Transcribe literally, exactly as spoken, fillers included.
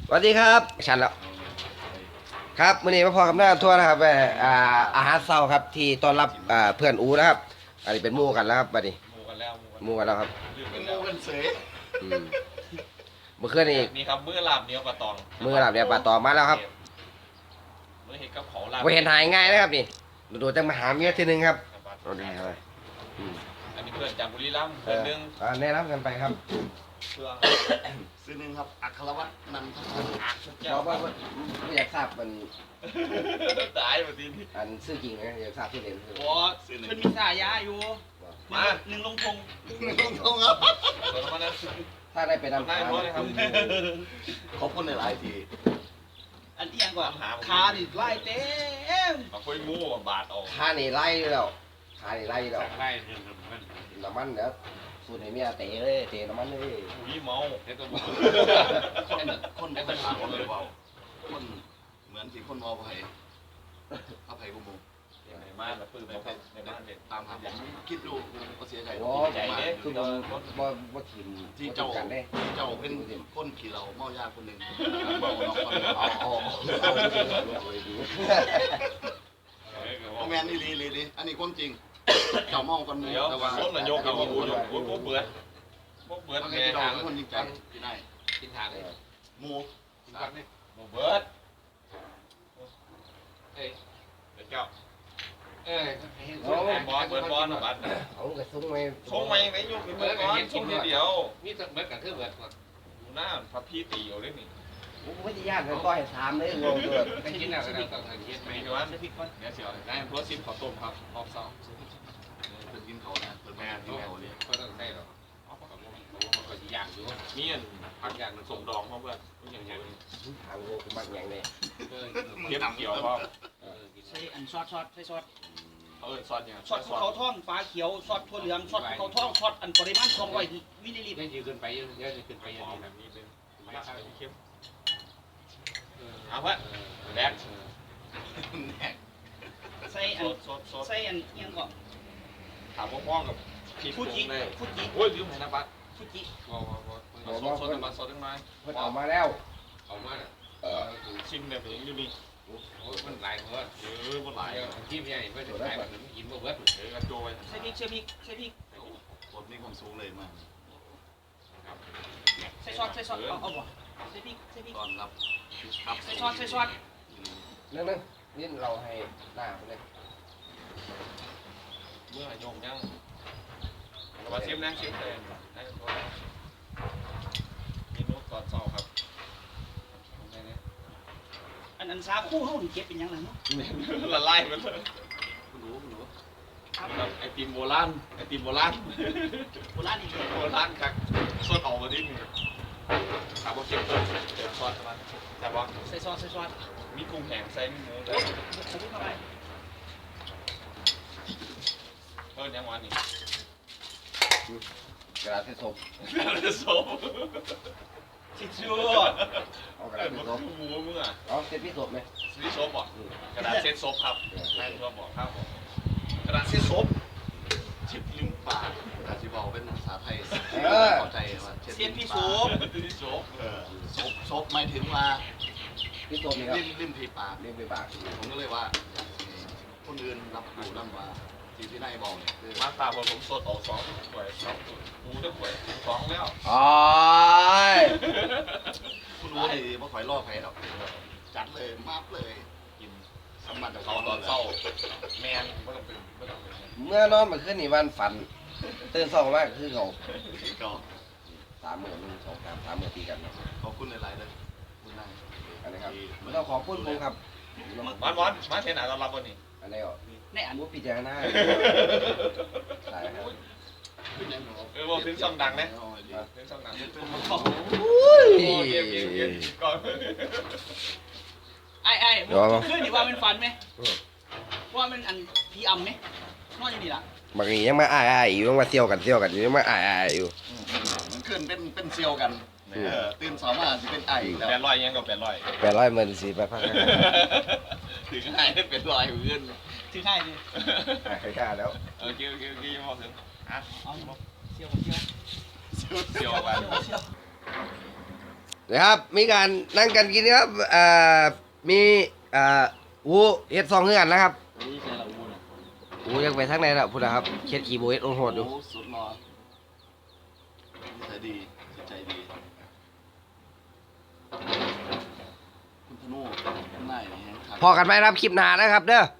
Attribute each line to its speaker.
Speaker 1: สวัสดีครับชันแล้วครับมื้อนี้มาพอกับหน้าทัวร์นะครับแอ่าอาหารเช้าครับที่ต้อนรับอ่าเพื่อนอูนะครับอันนี้เป็นหมู่กันแล้วครับบัดนี้
Speaker 2: หมูกันแล้ว
Speaker 1: หมู่กันแล้วครับ
Speaker 2: ลืม
Speaker 3: เป็
Speaker 2: กัน น
Speaker 3: โม
Speaker 2: แล้ว
Speaker 3: กันเสย
Speaker 1: อืมเมื่อคืนนี้
Speaker 2: นี่ครับมื้อลาบเหนียวปลาตอง
Speaker 1: มื้อหลับเนี่ยปลาตอมาแล้วครับ
Speaker 2: มื้อเห็ดกับเขาลาบ
Speaker 1: บ่เห็นหายง่ายนะครับนี่ดูๆจังมาหาเมียทีนึงครับเอาดีครับอืม
Speaker 2: อันนี้เพื่อนจากบุรีรัมย์
Speaker 1: เอ
Speaker 2: เพื่อน
Speaker 1: อ
Speaker 2: หนึง
Speaker 1: อ่าแนะนำกันไปครับ
Speaker 2: เพื่อน
Speaker 3: ซื้อหนึ่งครับอัครวัฒน์นันทพันธ์
Speaker 2: อักเจ้า
Speaker 1: เราบ่บ่บ่อยากทราบมัน
Speaker 2: ตายมาทีนี้
Speaker 1: อันชื่อจริงนะอยากทราบชื่อเล่นคือ
Speaker 2: โอ้
Speaker 3: ซื้อหนึ่ง
Speaker 4: มันมีสายาอยู่
Speaker 2: มา
Speaker 4: หนึ่งลงพง
Speaker 3: ตรงตรงครับ
Speaker 2: ตัวนั้นนะ
Speaker 1: ถ้าได้ไปนำ
Speaker 2: ได้
Speaker 1: หา
Speaker 2: หมดเลยครับ
Speaker 3: ขอบคุณในหลายที
Speaker 4: อันเอียงกว่าขาดิไล่เต็ม
Speaker 2: มาคุยหมูบาทออก
Speaker 1: ค่านี่ไล่อยู่แล้วค่านี่ไล่อยู่แล้ว
Speaker 2: ไล่เนี่ยมัน
Speaker 1: น้ำมันเดี๋ยวสูตรให้เมียเตะเลยเตะน้ำมันเลย
Speaker 2: อุ้ยเมาเฮ็ดตัวเมา
Speaker 3: คนคนไม่ต่างกันเลยเปล่าคนเหมือนที่คนมอภัยอภัยบุ้มบุ้ม
Speaker 2: ในบ้านละปื้มในบ้านในบ้านเด็ด
Speaker 3: ตามหาผมคิดดูก็เสียใจ
Speaker 1: โอ้
Speaker 2: ใจเด้
Speaker 1: คือบ่บ่บ่ถิ่ม
Speaker 3: ที่
Speaker 1: บ่
Speaker 3: เจ้า
Speaker 1: กันเด้
Speaker 3: ที่เจ้าเป็นคนขี่เราเมายาคนหนึ่งเมาน้องคน
Speaker 1: เอา
Speaker 3: เอา
Speaker 1: เอาเอาเอาดี
Speaker 3: แมนนี่ลีลีลีอันนี้ความจริง เจ้าเมาคนหนึ่ง
Speaker 2: เดี๋ยว
Speaker 3: แต่ว่า
Speaker 2: ส้นนายกกับว่าบูอยู่บูบูเบื่อบูเบื่อ
Speaker 3: มัน
Speaker 2: แม่
Speaker 3: เป็น
Speaker 2: ทาง
Speaker 3: คนจริงใจที่ได้
Speaker 2: กินทางเลย
Speaker 3: มู
Speaker 2: บูเบิร์ดเอ้ยเด็กเจ้า
Speaker 5: เออ
Speaker 2: เบิร์ดบอลเบิร์ดบอลบัตร
Speaker 1: เอากระซุ้งไว้
Speaker 2: ส่งมายังไงยกเป็นเบิร์ดบอลส่งทีเดียว
Speaker 5: มีแต่เบิดกับคือเบิดหมด
Speaker 2: ดูหน้าพระพี่ตีเอาได้นี่
Speaker 1: ผมบ่สิญาติมันต่อยถามเลยงงเกิด
Speaker 5: ไปกินอะไรก็ต้องทานเย็นไหม
Speaker 2: ไม่ใช่ว่าเดี๋ยวเสียวได้เพราะซิมขอต้มครับออกสอง
Speaker 3: เป็นกินเขานะเป็นแม่กินเขาเนี่ย
Speaker 5: ก็ต้องได้หรอกเขาบอกว่าเขาอยากอยู่
Speaker 2: มีอันผักอย่างส่งดองเพราะว่าอย่างเงี้ย
Speaker 1: ถามโง่คือมักหยังเด้
Speaker 5: เออ
Speaker 2: เทียบเกี่ยวเพราะ
Speaker 5: เออกิน
Speaker 4: ใส่อันซอสซอสใส่ซอส
Speaker 2: เออซอสอย่าง
Speaker 4: ซอสภูเขาท่องฟ้าเขียวซอสถั่วเหลืองซอสภูเขาท่องซอสอันปริมาณสองร้อยมิลลิลิตร
Speaker 5: ได้ยืนขึ้นไปเยอะเยอะขึ้นไปเยอะ
Speaker 2: หอม
Speaker 5: นี่
Speaker 2: แบ
Speaker 5: นะ
Speaker 2: บนี้เป็น
Speaker 5: ไม่
Speaker 2: ไม่
Speaker 5: ใช่
Speaker 2: ใช่เข้ม
Speaker 5: เออ
Speaker 2: เอาเพื่อนแดก
Speaker 4: ใส่อั
Speaker 2: ซ
Speaker 4: น
Speaker 2: ดซดซด
Speaker 4: ใส่อันเอียงก็
Speaker 2: ถามพ่อๆกับพริก
Speaker 4: ฟูจิ
Speaker 2: เลย
Speaker 4: ฟูจิ
Speaker 2: โอ้ยลืมเห็นนะบัส
Speaker 4: ฟูจิ
Speaker 5: ว้าวว้าวว้าว
Speaker 2: ซดซดมาซดได้ไหม
Speaker 1: เพิ่นเอามาแล้ว
Speaker 5: เอามาเนี่ย
Speaker 1: เออ
Speaker 2: ชิมแบบนี้อยู่นี่
Speaker 5: โอ้มันหลายเบิด
Speaker 2: เออบนไหล
Speaker 5: เดี๋ยวที่ใหญ่เพื่อจะขายแบบกินบ่เบิด
Speaker 2: เออกระโจย
Speaker 4: ใส่พริกใส่พริกใส่พริก
Speaker 3: บทนี้ความสูงเลยมาก
Speaker 4: ใส่ซอสใส่ซอสเอาเอาบ่ใส่พริกใส่พริก
Speaker 3: ตอนรับครับ
Speaker 4: ใส่ซอสใส่ซอส
Speaker 1: นึงนึงนี่เราให้หน้าไปเลย
Speaker 2: เมื่อโยมยังมาชิมนะชิมเลยมีนุ๊กกอดเสาครับ
Speaker 4: อันอันสาคู่เฮานี่เก็บเป็นหยังไงเนาะ
Speaker 2: ละลายไปเลย
Speaker 3: คุณหนูคุณหนู
Speaker 2: ไอติมโบราณไอติมโบราณ
Speaker 4: โบราณนี่
Speaker 2: โบราณครับสดออกมาดิถามว่าเก็บต้นเก็บซอสมาแต่ว่า
Speaker 4: ใส่ซอสใส่ซอส
Speaker 2: มีกุ้งแห้งใส่มีหมูแต่
Speaker 4: ใส่พริกเข้าไป
Speaker 2: เออยังวันนี้
Speaker 1: กระดาษเส้นศพ
Speaker 2: โซ
Speaker 4: ชิชู
Speaker 1: เอากระ
Speaker 2: เอ
Speaker 1: ดาษ
Speaker 2: อ
Speaker 1: เส้นศพ
Speaker 2: หมูมึงอ่ะ
Speaker 1: เอาเส้นพี่ศพไหม
Speaker 2: ซีโซบอ่ะกระดาษเซ็ตซบครับใช่เพื่อบอกครับผมกระดาษเซ็ตซบ
Speaker 3: ชิดลิ้มปากอาชีบอกเป็นภาษาไทยเข้าใจว่า
Speaker 4: เสียนพี่
Speaker 3: ปา
Speaker 4: สู
Speaker 3: ก
Speaker 4: บ
Speaker 2: ซีโซบ
Speaker 3: เออซบซบหมายถึงว่า
Speaker 1: พี่ศพนี่ครับ
Speaker 3: ลิ้มลิ้มผีปาก
Speaker 1: เรียกไปปาก
Speaker 3: ผมก็เลยว่าคนอื่นรับรู้นั่นว่าที่พี่นายบอกเนี่ยคือ
Speaker 2: มาตาผมผมสดออกสองถ้วยสองหมูได้ถ้วยสองแล้ว
Speaker 1: อ๋อ
Speaker 3: คุณรู้ดีว่าข่อยล่อใครหรอกจัดเลยมาบเลย
Speaker 2: กิน
Speaker 3: สมบัติ
Speaker 2: เขาตอนเศร้าแมนไม่ต้องเป็นไม่ต้องเป็น
Speaker 1: เมื่อนอนเมื่อคืนนี่วันฝันตื่นสองมากคือเขา
Speaker 3: ก็
Speaker 1: สามหมื่นหนึ่งสองสามสามหมื่นตีกันนะ
Speaker 3: ขอบคุณหลายๆเลยคุณนาย
Speaker 1: อันนี้ครับไม่ต้องขอบคุณผมครับ
Speaker 2: วันวันมาเทน่าเรารับวันนี้
Speaker 1: อันนี้อ่ะ
Speaker 4: ในอัน
Speaker 1: มุพิจารณาใช่ครับ
Speaker 2: เออบอกถึงช่องดังนะ
Speaker 3: เอาให้ดี
Speaker 2: ถึงช่องดัง
Speaker 1: โอ้
Speaker 2: โอ้
Speaker 1: ย
Speaker 2: เยี่ยมเยี่ยมเยี่ยมก่อน
Speaker 4: ไอ้ไอ้
Speaker 1: เดี๋ยวเอา
Speaker 4: คือนี่ว่ามันฟันไหมว่ามันอันพีอัมไหมนอนอยู่นี่ล่ะ
Speaker 1: บางทียังมาอ้ายอ้ายอยู่ยังมาเที่ยวกันเที่ยวกันอยู่ยังมาอ้ายอ้ายอยู่
Speaker 3: มันขึ้นเป็นเป็นเซียวกันเออตื่นสองมาจะเป็นไออีกแล้ว
Speaker 2: แปดร้อยยังกับแปดร้อย
Speaker 1: แปดร้อยหมื่นสี่ไปพักกัน
Speaker 2: ถึงให้ได้เป็นร้อยเพื่อน
Speaker 4: ถือให้ดิ
Speaker 1: หายใครกล้าแล้ว
Speaker 2: โอเคโอเคโอเคพอถึงอ่ะ
Speaker 4: เอาเสี่ยวกับเสี่ยว
Speaker 2: เสียวไป
Speaker 4: เสี่ยวกับเสี่ยว
Speaker 1: นะครับมีการนั่งกันกินครับเอ่อมีเอ่ออูเฮ็ดซองเฮือนนะครับ
Speaker 3: นี่ใช่ละอูนะ
Speaker 1: อูยังไปทางไหนล่ะพูดนะครับเช็ดขี่โบเฮ็ดโอนโหดอยู่
Speaker 3: โอ้สุดหล่อนิสัยดีจิตใจดีคุณธนูข้างในนี่แห้งคัก
Speaker 1: พอกันไหมครับคลิปหน้านะครับเด้อ